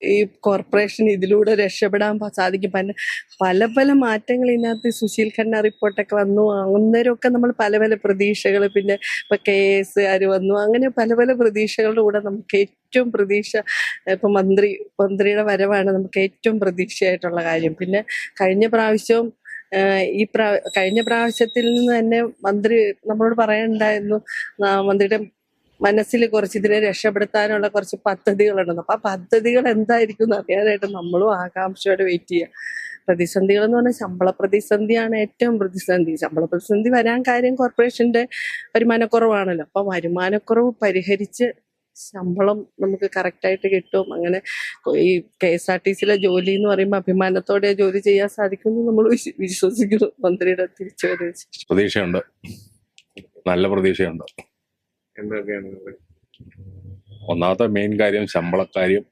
ഈ കോർപ്പറേഷൻ ഇതിലൂടെ രക്ഷപ്പെടാൻ സാധിക്കും. പല പല മാറ്റങ്ങൾ ഇതിനകത്ത് സുശീൽ ഖന്ന റിപ്പോർട്ടൊക്കെ വന്നു. അന്നേരമൊക്കെ നമ്മൾ പല പല പ്രതീക്ഷകൾ, പിന്നെ ഇപ്പൊ KS വന്നു, അങ്ങനെ പല പല പ്രതീക്ഷകളുടെ കൂടെ നമുക്ക് ഏറ്റവും പ്രതീക്ഷ ഇപ്പൊ മന്ത്രിയുടെ വരവാണ് നമുക്ക് ഏറ്റവും പ്രതീക്ഷയായിട്ടുള്ള കാര്യം. പിന്നെ കഴിഞ്ഞ പ്രാവശ്യവും കഴിഞ്ഞ പ്രാവശ്യത്തിൽ നിന്ന് തന്നെ മന്ത്രി നമ്മളോട് പറയണ്ടായിരുന്നു, മന്ത്രിയുടെ മനസ്സിൽ കുറച്ച് ഇതിനെ രക്ഷപ്പെടുത്താനുള്ള കുറച്ച് പദ്ധതികളുണ്ടെന്ന്. അപ്പൊ ആ പദ്ധതികൾ എന്തായിരിക്കും എന്ന് അറിയാനായിട്ട് നമ്മളും ആകാംക്ഷയോടെ വെയിറ്റ് ചെയ്യാം. പ്രതിസന്ധികൾ എന്ന് പറഞ്ഞാൽ ശമ്പള പ്രതിസന്ധിയാണ് ഏറ്റവും പ്രതിസന്ധി. ശമ്പള പ്രതിസന്ധി വരാൻ കാര്യം കോർപ്പറേഷന്റെ വരുമാനക്കുറവാണല്ലോ. അപ്പൊ വരുമാനക്കുറവ് പരിഹരിച്ച് ശമ്പളം നമുക്ക് കറക്റ്റായിട്ട് കിട്ടും. അങ്ങനെ ഈ KSRTCയിലെ ജോലി എന്ന് പറയുമ്പോൾ അഭിമാനത്തോടെ ജോലി ചെയ്യാൻ സാധിക്കുമെന്ന് നമ്മൾ വിശ്വസിക്കുന്നു. മന്ത്രിയുടെ തിരിച്ചുവരവ് പ്രതീക്ഷയുണ്ട്, നല്ല പ്രതീക്ഷയുണ്ട്. എന്തൊക്കെയാണ് ഒന്നാമത്തെ മെയിൻ കാര്യം ശമ്പളക്കാര്യം,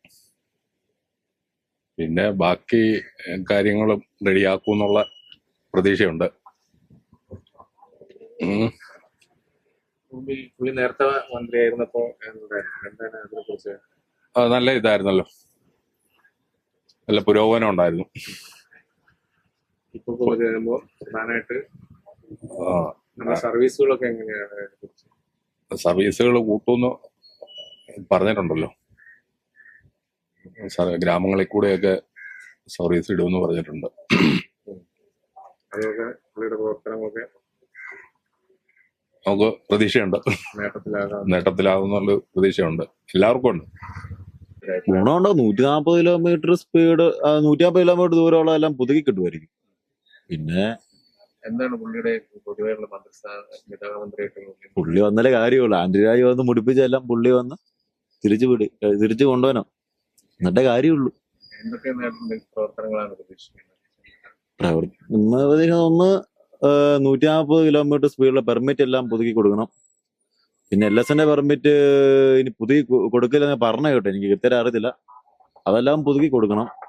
പിന്നെ ബാക്കി കാര്യങ്ങളും റെഡിയാക്കും എന്നുള്ള പ്രതീക്ഷയുണ്ട്. പുള്ളി നേരത്തെ മന്ത്രിയായിരുന്നപ്പോ എന്താണ് അതിനെ കുറിച്ച്? നല്ല ഇതായിരുന്നല്ലോ, നല്ല പുരോഗമനം ഉണ്ടായിരുന്നു. ഇപ്പൊ പോയി കഴിയുമ്പോ പ്രധാനമായിട്ട് നമ്മുടെ സർവീസുകളൊക്കെ എങ്ങനെയാണ്? സർവീസുകൾ കൂട്ടുമെന്ന് പറഞ്ഞിട്ടുണ്ടല്ലോ, ഗ്രാമങ്ങളിൽ കൂടെയൊക്കെ സർവീസ് ഇടുമെന്ന് പറഞ്ഞിട്ടുണ്ട്. അതൊക്കെ പുള്ളിയുടെ പ്രവർത്തനങ്ങളൊക്കെ നമുക്ക് പ്രതീക്ഷയുണ്ട്, നേട്ടത്തിലാകുന്നുള്ള പ്രതീക്ഷയുണ്ട്, എല്ലാവർക്കും ഉണ്ട്. ഗുണമുണ്ടോ? 140 കിലോമീറ്റർ സ്പീഡ്, 150 കിലോമീറ്റർ ദൂരമുള്ള എല്ലാം പുതുക്കി കിട്ടുമായിരിക്കും. പിന്നെ എന്താണ് പുള്ളിയുടെ പൊതുവെയുള്ള മന്ത്രിയായിട്ട് പുള്ളി വന്നാലേ കാര്യമുള്ളൂ. ആന്റണി രാജ് വന്ന് മുടിപ്പിച്ചെല്ലാം പുള്ളി വന്ന് തിരിച്ചു കൊണ്ടുപോകാനോ, എന്നിട്ടേ കാര്യമുള്ളൂ. എന്തൊക്കെ പ്രവർത്തനങ്ങളാണ് പ്രതീക്ഷിക്കുന്നത്? ഒന്ന് 140 കിലോമീറ്റർ സ്പീഡിലെ പെർമിറ്റ് എല്ലാം പുതുക്കി കൊടുക്കണം. പിന്നെ LSന്റെ പെർമിറ്റ് ഇനി പുതുക്കി കൊടുക്കില്ലെന്ന് പറഞ്ഞ കേട്ടോ, എനിക്ക് കൃത്യമായിട്ട് അറിയത്തില്ല. അതെല്ലാം പുതുക്കി കൊടുക്കണം.